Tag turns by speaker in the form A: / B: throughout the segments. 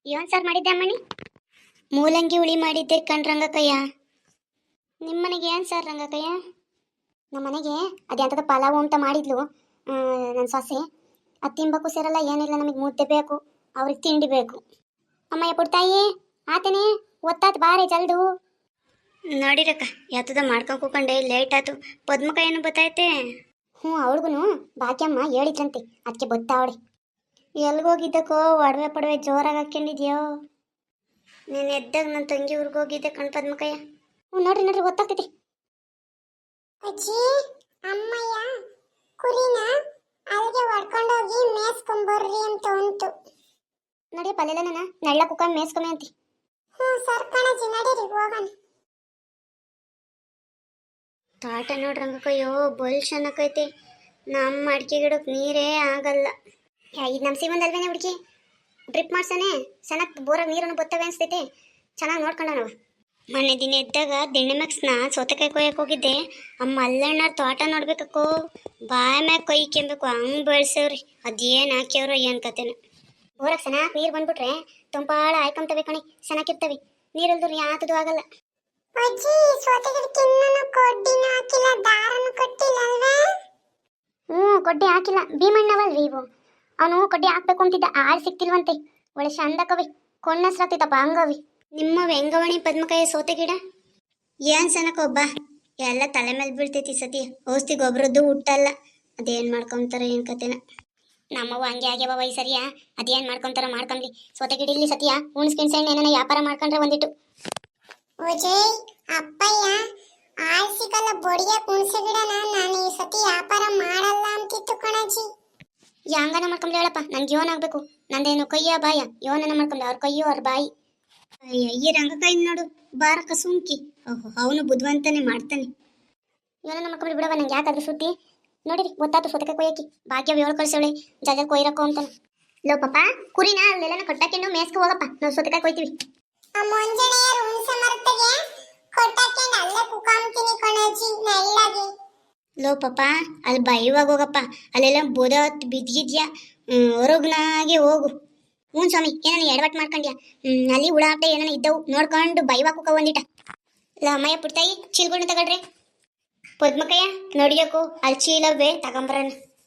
A: ಏನು ಸಾರು ಮಾಡಿದ್ದೆ ಅಮ್ಮಣಿ? ಮೂಲಂಗಿ ಹುಳಿ ಮಾಡಿದ್ದೆ ಕಣ್ರಂಗಕ್ಕಯ್ಯ. ನಿಮ್ಮ ಮನೆಗೆ ಏನು ಸಾರು ರಂಗಕ್ಕಯ್ಯ? ನಮ್ಮ ಮನೆಗೆ ಅದ್ಯಾಂತದ ಪಲಾವು ಅಂತ ಮಾಡಿದ್ಲು ನನ್ನ ಸೊಸೆ. ಅದು ತಿನ್ಬೇಕು ಸೇರಲ್ಲ, ಏನಿಲ್ಲ, ನಮಗೆ ಮುದ್ದೆ ಬೇಕು, ಅವ್ರಿಗೆ ತಿಂಡಿ ಬೇಕು. ಅಮ್ಮಯ್ಯ ಪುಟ್ಟಾಯಿ ಆತನೇ ಒತ್ತಾತ್ ಬಾರೆ ಜಲ್ದು. ನೋಡಿರಕ್ಕ ಯಾತದ ಮಾಡ್ಕೊಂಡು ಕೂಕೊಂಡೆ, ಲೇಟ್ ಆಯ್ತು. ಪದ್ಮಕಾಯನ್ನು ಬತ್ತೈತೆ. ಹ್ಞೂ, ಅವಳಿಗೂ ಭಾಗ್ಯಮ್ಮ ಹೇಳಿದ್ರಂತೆ, ಅದಕ್ಕೆ ಬತ್ತಾವಳೆ. ಎಲ್ಗೋಗಿದ್ದಕ್ಕೋ ಒಡವೆ ಪಡವೆ ಜೋರಾಗಿ ಹಾಕ್ಕೊಂಡಿದ್ಯೋ? ನೀನು ಎದ್ದಾಗ ನನ್ನ ತಂಗಿ ಊರಿಗೆ ಹೋಗಿದ್ದೆ ಕಣ್ ಪದ್ಮಕಯ್ಯ. ಹ್ಞೂ, ನೋಡ್ರಿ ಗೊತ್ತಾಗ್ತೈತಿ.
B: ಅಜ್ಜಿ, ಅಮ್ಮಯ್ಯ ಕುರಿನ ಅಲ್ಲಿಗೆ ಹೊಡ್ಕೊಂಡೋಗಿ ಮೇಸ್ಕೊಂಬರ್ರಿ ಅಂತ ಉಂಟು.
A: ನಡಿಯಪ್ಪ, ಅಲ್ಲೆಲ್ಲ ನನ್ನ ನೆಳ್ಳ ಕುಕ್ಕ ಮೇಸ್ಕೊಮೆ ಅಂತಿ.
B: ಹ್ಞೂ ಸರ್ ಕಣಜ್ಜಿ, ನಡೀರಿ ಹೋಗೋಣ.
A: ತಾಟ ನೋಡ್ರಂಗಕ್ಕಯ್ಯೋ ಬಲ್ ಚೆನ್ನಾಗೈತೆ. ನಮ್ಮ ಅಡಿಕೆ ಗಿಡಕ್ಕೆ ನೀರೇ ಆಗಲ್ಲ. ಇದು ನಮ್ಮ ಸೀಮಂದಲ್ವೇನೆ ಹುಡುಗಿ, ಡ್ರಿಪ್ ಮಾಡ್ಸಾನೆ ಚೆನ್ನಾಗಿ ಬೋರಾಗ ನೀರನ್ನು ಬತ್ತವೆ ಅನಿಸ್ತೈತೆ. ಚೆನ್ನಾಗಿ ನೋಡ್ಕೊಂಡ ನಾವು. ಮೊನ್ನೆ ದಿನ ಎದ್ದಾಗ ದಿಣ್ಣೆ ಮ್ಯಾಕ್ಸ್ನ ಸೌತೆಕಾಯಿ ಕೊಯ್ಯಕ್ಕೆ ಹೋಗಿದ್ದೆ. ಅಮ್ಮ ಅಲ್ಲಣ್ಣಾರ ತೋಟ ನೋಡ್ಬೇಕಕ್ಕೋ, ಬಾಯ ಮ್ಯಾಗ ಕೊಯ್ಕೆಂಬೇಕು ಹಂಗೆ ಬೆಳೆಸವ್ರಿ. ಅದೇನು ಹಾಕ್ಯವ್ರೋ ಏನು ಕತೆನ. ಬೋರಾಗ ಚೆನ್ನಾಗಿ ನೀರು ಬಂದ್ಬಿಟ್ರೆ ತಂಪಾಳ ಆಯ್ಕೊಂತವೆ ಕಣಿ, ಚೆನ್ನಾಗಿರ್ತವೆ. ನೀರಲ್ದ್ರು ಯಾತದು ಆಗಲ್ಲ.
B: ಅಜ್ಜಿ, ಸೋತೆಗಿಡಕ್ಕೆ ಇನ್ನೂ ಕೊಡ್ಡಿನ ಹಾಕಿಲ್ಲ, ದಾರನು ಕಟ್ಟಿಲ್ಲ ಅಲ್ವೇ?
A: ಹ್ಞೂ, ಕೊಡ್ಡಿ ಹಾಕಿಲ್ಲ. ಭೀಮಣ್ಣವಲ್ರಿ ಇವು. ಅವನು ಕೊಡ್ಡಿ ಹಾಕ್ಬೇಕು ಅಂತಿದ್ದ, ಆಳು ಸಿಕ್ತಿಲ್ವಂತೆ. ಒಳ್ಳೆ ಚಂದಕವಿ, ಕೊಂಡಸ್ರಾಗ್ತಿತ್ತಪ್ಪ ಹಂಗವಿ. ನಿಮ್ಮವ ಹೆಂಗವಣಿ ಪದ್ಮಕಾಯಿ ಸೋತೆ ಗಿಡ? ಏನು ಸನಕೊಬ್ಬ ಎಲ್ಲ ತಲೆ ಮೇಲೆ ಬೀಳ್ತೈತಿ ಸತಿ. ಔಷಧಿ ಗೊಬ್ಬರದ್ದು ಹುಟ್ಟಲ್ಲ. ಅದೇನು ಮಾಡ್ಕೊಂತಾರ ಏನು ಕತೆನ. ನಮ್ಮವ ಹಂಗೆ ಆಗ್ಯಾವ ವೈ ಸರಿಯಾ. ಅದೇನು ಮಾಡ್ಕೊಂತಾರ ಮಾಡ್ಕೊಂಬ್ಲಿ. ಸೋತೆ ಗಿಡ ಇಲ್ಲಿ ಸತಿಯಾ ಉಣ್ಸ್ಕಿಣ್ಸಣ್ಣ ಏನಾನ ವ್ಯಾಪಾರ ಮಾಡ್ಕೊಂಡ್ರೆ ಒಂದಿಟ್ಟು.
B: ಅಜಯ್, ಅಪ್ಪಯ್ಯ ಆಳ್ಸಿಕಲ್ಲ ಬಡಿಯ ಕುಣಸೆ ಗಿಡನ ನಾನು ಈ ಸತಿ ವ್ಯಾಪಾರ ಮಾಡಲ್ಲ ಅಂತಿತ್ತು ಕಣಜ್ಜಿ.
A: ಯಾಂಗನ ಮಾಡ್ಕೊಂಬ್ಲಿ ಹೇಳಪ್ಪ, ನಂಗೆ ಯೋನ್ ಆಗ್ಬೇಕು. ನಂದೇನು ಕೈಯ ಬಾಯ, ಯೋನನ ಮಾಡ್ಕೊಂಬ್ಲಿ. ಅವ್ರ ಕೈಯೋ ಅವ್ರ ಬಾಯಿ. ಈ ರಂಗಕಾಯಿ ನೋಡು ಬಾರಕ ಸುಂಕಿ. ಓಹೋ, ಅವನು ಬುದ್ಧಿವಂತನೇ ಮಾಡ್ತಾನೆ. ಯೋನನ ಮಾಡ್ಕೊಂಬ್ಲಿ ಬಿಡವ, ನಂಗೆ ಯಾಕಾದ್ರೂ ಸುದ್ದಿ. ನೋಡಿರಿ ಗೊತ್ತಾಯ್ತು ಸೋತಕಾಯಿ ಕೊಯ್ಯಕಿ. ಭಾಗ್ಯ ಏಳು ಕಳ್ಸವಳೆ ಜಗ ಕೊಯ್ರಕ್ಕೋ ಅಂತಾನೆ. ಲೋ ಪಾಪ, ಕುರಿನ ಅಲ್ಲೆಲ್ಲ ಕೊಟ್ಟಾಕೆಂಡು ಮೇಸ್ಕೊ ಹೋಗಪ್ಪ, ನಾವು ಸೋತಕಾಯಿ ಕೊಯ್ತೀವಿ.
B: ಆ ಮುಂಜಾನೆ ಹುಣಸೆ ಮರತೆಗೆ ಕೊಟ್ಟಾಕೆಂಡು ಅಲ್ಲೇ ಕುಕಾಂತೀನಿ ಕಣಜ್ಜಿ ನಳ್ಳಗೆ.
A: ಲೋ ಪಾಪ, ಅಲ್ಲಿ ಬೈವಾಗ ಹೋಗಪ್ಪ, ಅಲ್ಲೆಲ್ಲ ಬೋದತ್ ಬಿದ್ದಿದ್ಯಾ, ಹೊರಗ್ನಾಗೆ ಹೋಗು. ಹ್ಞೂ ಸ್ವಾಮಿ, ಏನಾನ ಎಡವಟ್ ಮಾಡ್ಕೊಂಡ್ಯಾ? ಅಲ್ಲಿ ಹುಳ ಆಟ ಏನಾನ ಇದ್ದವು ನೋಡ್ಕೊಂಡು ಬೈವಾಗ ಕುಕ ಒಂದಿಟ. ಇಲ್ಲ ಅಮ್ಮಯ್ಯ ಪುಟ್ಟಾಯಿ ಚೀಲ್ಗಳನ್ನ ತಗೊಳ್ರಿ. ಪದ್ಮಕಯ್ಯ ನೋಡಿಯಕ್ಕೂ ಅಲ್ಲಿ ಚೀಲವೇ ತಗೊಂಬರೋಣ.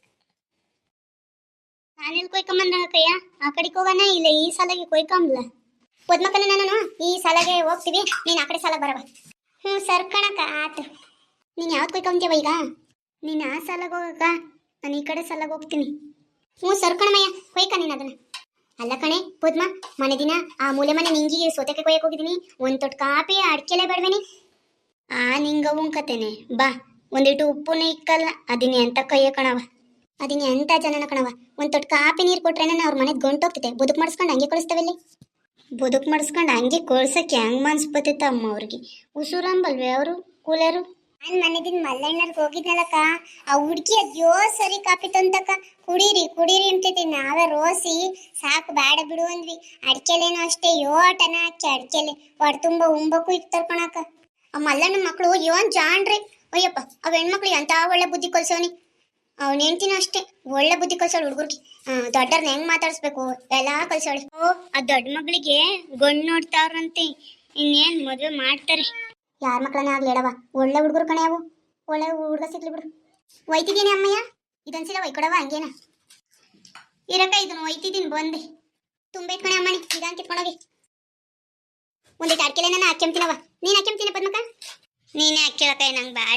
A: ನಾನೆಲ್ಲಿ ಕೊಯ್ಕೊಂಬಂದ್ರಂಗಕ್ಕಯ್ಯ? ಆ ಕಡೆಗೆ ಹೋಗೋಣ, ಇಲ್ಲ ಈ ಸಾಲಾಗಿ ಕೊಯ್ಕೊಂಬ್ಲ. ಪದ್ಮಕನ ನಾನು ಈ ಸಾಲಾಗೆ ಹೋಗ್ತೀವಿ, ನೀನು ಆ ಕಡೆ ಸಾಲಾಗ ಬರವ. ಹ್ಞೂ ಸರ್ಕಣಕ್ಕ ಆತು. ನೀನು ಯಾವ್ದು ಕೊಯ್ಕೊಂತೀವ ಈಗ? ನೀನು ಆ ಸಾಲಾಗ ಹೋಗಕ್ಕ, ನಾನು ಈ ಕಡೆ ಸಾಲಾಗ ಹೋಗ್ತೀನಿ. ಹ್ಞೂ ಸರ್ಕಣಮಯ್ಯ, ಕೊಯ್ಕ ನೀನು ಅದನ್ನು. ಅಲ್ಲ ಕಣೆ ಪದ್ಮ, ಮನೆ ದಿನ ಆ ಮೂಲೆ ಮನೆ ನಿಂಗಿಗೆ ಸೋತೆಕಾಯಿ ಕೊಯ್ಯಕ್ಕೆ ಹೋಗಿದ್ದೀನಿ. ಒಂದು ತೊಟ್ಟು ಕಾಪಿ ಅಡ್ಕೆಲೆ ಬೇಡವೇನಿ? ನಿಂಗವು ಕತೆನೆ ಬಾ. ಒಂದಿಟ್ಟು ಉಪ್ಪುನೇ ಇಕ್ಕಲ್ಲ, ಅದಿನ ಎಂತ ಕೈಯ ಕಣವ, ಅದಿನ ಎಂತ ಜನನ ಕಣವ. ಒಂದು ತೊಟ್ಟು ಕಾಪಿ ನೀರು ಕೊಟ್ರೇನೆ ಅವ್ರ ಮನೆಗೆ ಗಂಟೋಗ್ತಿದೆ. ಬದುಕು ಮಾಡಿಸ್ಕೊಂಡು ಹಂಗೆ ಕಳಿಸ್ತೇವಲ್ಲಿ. ಬದುಕು ಮಾಡಿಸ್ಕೊಂಡು ಹಂಗೆ ಕಳ್ಸಕ್ಕೆ ಹೆಂಗೆ ಮನ್ಸು ಬತ್ತೈತ ಅಮ್ಮ ಅವ್ರಿಗೆ. ಉಸುರಂಬಲ್ವೇ ಅವರು ಕೂಲರು.
B: ನಾನು ಮನೆದಿನ ಮಲ್ಲಣ್ಣರ್ಗೆ ಹೋಗಿದ್ನಲ್ಲಕ್ಕ, ಆ ಹುಡುಗಿ ಅದ್ಯೋ ಸರಿ ಕಾಪಿ ತಂತಕ್ಕ. ಕುಡೀರಿ ಕುಡೀರಿ ಅಂತೈತಿ. ನಾವೇ ರೋಸಿ ಸಾಕು ಬೇಡ ಬಿಡು ಅಂದ್ವಿ. ಅಡ್ಕೆಲೇನೋ ಅಷ್ಟೇ ಯೋಟನ ಹಾಕಿ ಅಡ್ಕೆಲೆ ಹೊಡೆ ತುಂಬ ಉಂಬಕ್ಕೂ ಇಕ್ತಾರ ಕಣಕ್ಕ.
A: ಆ ಮಲ್ಲಣ್ಣ ಮಕ್ಕಳು ಯೋನ್ ಜಾಣ್ರಿ. ಅಯ್ಯಪ್ಪ, ಅವ್ ಹೆಣ್ಮಕ್ಳು ಎಂತ ಒಳ್ಳೆ ಬುದ್ಧಿ ಕಲ್ಸವನಿ. ಅವ್ನ ಹೆಂಡ್ತಿನೂ ಅಷ್ಟೇ ಒಳ್ಳೆ ಬುದ್ಧಿ ಕಲ್ಸವಳು ಹುಡುಗರ್ಗೆ. ದೊಡ್ಡರ್ನ ಹೆಂಗ್ ಮಾತಾಡಿಸ್ಬೇಕು ಎಲ್ಲ ಕಲ್ಸವಳೆ. ಆ ದೊಡ್ಡ ಮಗಳಿಗೆ ಗಂಡು ನೋಡ್ತಾವ್ರಂತೆ, ಇನ್ನೇನ್ ಮದುವೆ ಮಾಡ್ತಾರೆ. ಯಾರ ಮಕ್ಕಳನ್ನ ಆಗ್ಲಿ ಹೇಳವ, ಒಳ್ಳೆ ಹುಡುಗರು ಕಣೆ ಅವು. ಒಳ್ಳೆ ಹುಡುಗ ಸಿಗ್ಲಿ ಬಿಡು. ಒಯ್ತಿದ್ದೀನಿ ಅಮ್ಮಯ್ಯ, ಇದೊಂದ್ಸಲ ಒಯ್ಕೊಡವ ಹಂಗೇನ ಇರಕ್ಕ. ಇದನ್ನು ಒಯ್ತಿದ್ದೀನಿ ಬಂದೆ. ತುಂಬೈತ್ ಕಣೆ ಅಮ್ಮನಿ, ಇದಂತ ಕಿತ್ಕೊಂಡೋಗಿ. ಒಂದಿಟ್ಟು ಅಡ್ಕೆಲೆ ನಾನು ಹಾಕ್ಯಂತೀನವ. ನೀನು ಹಾಕ್ಯಂತೀನಿ ಪದ್ಮಕ? ನೀನೇ ಹಾಕ್ಯಳಕ್ಕ, ನಂಗೆ ಬೇಡ.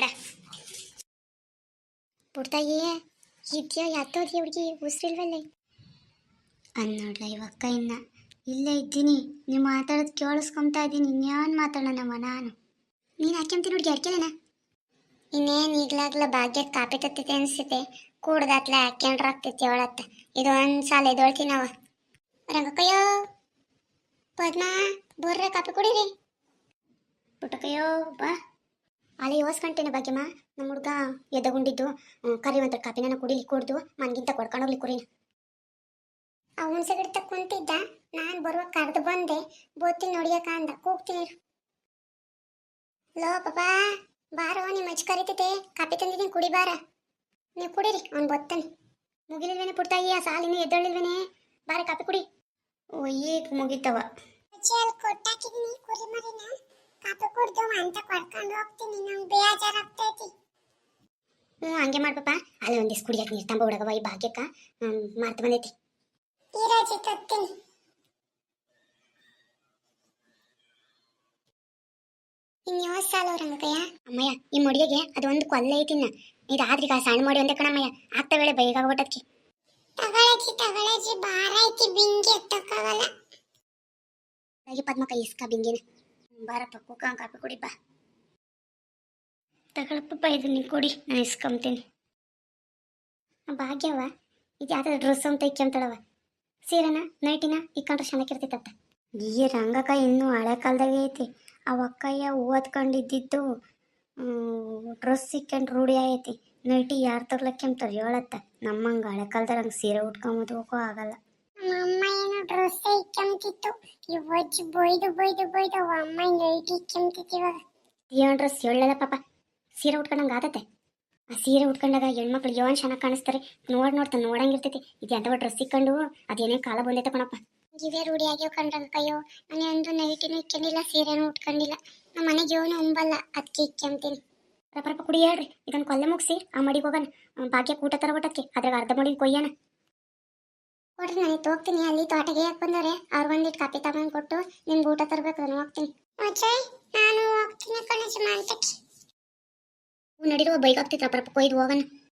A: ಪುಡ್ತಾಯಿ ಇದ್ಯಾ ಯಾತೋದ್ಯ ಹುಡುಗಿ ಉಸಿರಿಲ್ವಲ್ಲೇ? ಅನ್ನೋಡ್ಲ ಇವಕ್ಕ ಇನ್ನ ಇಲ್ಲೇ ಇದ್ದೀನಿ. ನೀವು ಮಾತಾಡೋದು ಕೇಳಿಸ್ಕೊಂತಾ ಇದ್ದೀನಿ. ಇನ್ಯಾನ್ ಮಾತಾಡೋಣವ ನಾನು? ನೀನು ಹಾಕ್ಯಂತೀನಿ ಹುಡುಗಿ ಅಡ್ಕೆಲೆನ?
B: ಇನ್ನೇನು ಈಗ್ಲಾಗ್ಲ ಭಾಗ್ಯಕ್ಕೆ ಕಾಪಿ ತತ್ತೈತೆ ಅನಿಸ್ತೈತೆ. ಕೂಡ್ದಾತ್ಲೆ ಹಾಕ್ಯಂಡ್ರ ಆಗ್ತೈತಿ ಅವಳತ್ತ. ಇದು ಒಂದು ಸಾಲ ಎದೊಳ್ತೀನವ. ರಂಗಕ್ಕಯ್ಯೋ, ಪದ್ಮ ಬರ್ರೆ ಕಾಪಿ ಕುಡೀರಿ.
A: ಪುಟ್ಟಕಯ್ಯೋ ಬಾ. ಅಲ್ಲಿ ಯೋಸ್ಕೊಂತೇನೆ ಭಾಗ್ಯಮ್ಮ, ನಮ್ಮ ಹುಡುಗ ಎದ್ದಗುಂಡಿದ್ದು ಕರಿವಂತ ಕಾಪಿ ನಾನು ಕುಡಿಲಿ ಕುಡ್ದು ಮನ್ಗಿಂತ ಕೊಡ್ಕೊಂಡೋಗ್ಲಿ ಕುರಿನ.
B: ಆ ಹುಣಸೆ ಗಿಡ ಕುಂತಿದ್ದ, ನಾನು ಬರುವಾಗ ಕರೆದು ಬಂದೆ. ಬೋತೀನಿ ನೋಡಿಯಕ್ಕ ಅಂದ, ಕೂಗ್ತೀನಿ. ಲೋ ಪಾಪಾ ಬಾರೋ, ನಿಮ್ಮ ಅಜ್ಜಿ ಕರಿತೈತೆ, ಕಾಪಿ ತಂದಿದ್ದೀನಿ ಕುಡಿ ಬಾರ. ನೀವು ಕುಡೀರಿ, ಅವ್ನು ಬತ್ತಾನೆ.
A: ಮುಗಿಲಿಲ್ವೇನೆ ಪುಟ್ಟಾಯಿ? ಆ ಸಾಲಿನ ಎದ್ದಳಿಲ್ವೇನೆ? ಬಾರೆ ಕಾಪಿ ಕುಡಿ. ಓ ಈಗ ಮುಗಿತವ.
B: ಅಲ್ಲಿ ಕೊಟ್ಟಾಕಿದೀನಿ ಕುರಿ ಮರಿನ ಕಾಪಿ ಕುಡ್ದು ಅಂತ ಕೊಡ್ಕೊಂಡು ಹೋಗ್ತೀನಿ ನಂಗೆ ಬೇಜಾರಾಗ್ತೈತಿ.
A: ಹಂಗೆ ಮಾಡ್ಪಪ್ಪ. ಅಲ್ಲಿ ಒಂದಿಷ್ಟು ಕುಡಿಯಕ್ಕೆ ನೀರು ತಂಬ ಹುಡುಗವ ಈ ಭಾಗ್ಯಕ್ಕ ಮಾರ್ತು ಬಂದೈತಿ.
B: ಈರಾಜಿ ತತ್ತೀನಿ.
A: ಇನ್ಯಾವ ಸಾಲ ರಂಗಕ್ಕಯ್ಯ. ಅಮ್ಮಯ್ಯ ಈ ಮೊಡಿಗೆ ಅದು ಒಂದು ಕೊಲ್ಲೆ ಐತಿನ್ನ ಇದಾದ್ರೀಗ ಸಣ್ಣ ಮಾಡಿ ಒಂದೇ ಕಣಮ್ಮಯ್ಯ ಆಗ್ತ ವೇಳೆ ಬೇಗ ಆಗೋಟಕ್ಕೆ.
B: ತಗೊಳಜಿ ಭಾರ ಐತಿ ಬಿಂಗಿ ಎತ್ತಕ್ಕಾಗಲ್ಲ.
A: ಹಾಗೆ ಪದ್ಮಕ್ಕ ಇಸ್ಕ ಬಿಂಗಿನ ಬಾರಪ್ಪ ಕುಕ್ಕ ಕಾಪಿ ಕುಡಿ ಬಾ. ತಗೊಳಪ್ಪ ಇದು ನೀ ಕುಡಿ ನಾನು ಇಸ್ಕೊಂತೀನಿ. ಭಾಗ್ಯವ ಇದು ಯಾವ್ದಾದ್ರು ಡ್ರೆಸ್ ಅಂತ ಇಕ್ಕೊಂತಾಳವ ಸೀರೆನ ನೈಟಿನ ಇಕ್ಕೊಂಡ್ರೆ ಚೆನ್ನಾಗಿರ್ತೈತತ್ತ. ಈ ರಂಗಕ್ಕ ಇನ್ನೂ ಹಳೆ ಕಾಲದಾಗೆ ಐತಿ. ಅವ ಅಕ್ಕಯ್ಯ ಓದ್ಕೊಂಡಿದ್ದಿದ್ದು ಡ್ರೆಸ್ ಇಕ್ಕೊಂಡು ರೂಢಿ ಐತಿ. ನೈಟಿ ಯಾರು ತರ್ಲಕ್ಕೆಂತಾರೆ ಹೇಳತ್ತ. ನಮ್ಮಂಗೆ ಹಳೆ ಕಾಲದಾಗ ಹಂಗೆ ಸೀರೆ ಉಟ್ಕೊಂಬೋದು ಹೋಗೋ ಆಗಲ್ಲ.
B: ಅಮ್ಮ ಏನೋ ಡ್ರೆಸ್ ಇಕ್ಕಂತಿತ್ತು ಇವಜ್ಜಿ ಬೊಯ್ದು ಅಮ್ಮ ನೈಟ್ ಇಕ್ಕಂತಿತ್ತು. ಇವಾಗ
A: ಏನು ಡ್ರೆಸ್ ಹೇಳಲ್ಲ ಪಾಪ ಸೀರೆ ಉಟ್ಕೊಂಡಂಗೆ ಆದತ್ತೆ. ಆ ಸೀರೆ ಉಟ್ಕೊಂಡಾಗ ಹೆಣ್ಮಕ್ಳು ಏನು ಚೆನ್ನಾಗಿ ಕಾಣಿಸ್ತಾರೆ. ನೋಡ್ತಾ ನೋಡಂಗಿರ್ತೈತಿ. ಇದು ಎಂಥವ ಡ್ರೆಸ್ ಇಕ್ಕೊಂಡು ಅದೇನೇ ಕಾಲ ಬಂದೈತೆ ಕಣಪ್ಪ.
B: ಇವೇ ರೂಢಿ ಆಗ್ಯಾವ ಕಣ್ರಂಗಯ್ಯೋ. ನಾನು ಒಂದು ನೈಟಿನೂ ಇಕ್ಕೊಂಡಿಲ್ಲ ಸೀರೆನೂ ಉಟ್ಕೊಂಡಿಲ್ಲ. ನಮ್ಮ ಮನೆಗೆ ಯೋನು ಉಂಬಲ್ಲ ಅದಕ್ಕೆ ಇಕ್ಕಂತೀನಿ.
A: ರಪ್ಪ ಕುಡಿ ಹೇಳ್ರಿ ಇದನ್ನು ಕೊಲ್ಲೆ ಮುಗಿಸಿ ಆ ಮಡಿಗೆ ಹೋಗೋಣ. ಭಾಗ್ಯ ಊಟ ತರ ಊಟಕ್ಕೆ ಅದ್ರಾಗ ಅರ್ಧ ಮಡಿಗೆ ಕೊಯ್ಯೋಣ.
B: ಕೊಡ್ರಿ ನಾನು ಹೋಗ್ತೀನಿ. ಅಲ್ಲಿ ತೋಟಗೆ ಯಾಕೆ ಬಂದವ್ರೆ ಅವ್ರು ಒಂದಿಟ್ಟು ಕಾಪಿ ತಗೊಂಡು ಕೊಟ್ಟು ನಿಮ್ಗೆ ಊಟ ತರಬೇಕು. ನಾನು ಹೋಗ್ತೀನಿ. ಅಜಯ್ ನಾನು ಹೋಗ್ತೀನಿ ಕಣಜ ಮಂತಕ್ಕೆ.
A: ನಡಿರುವ ಬೈಕ್ ಆಗ್ತೈತೆ ರಪ್ಪ ಕೊಯ್ದು ಹೋಗೋಣ.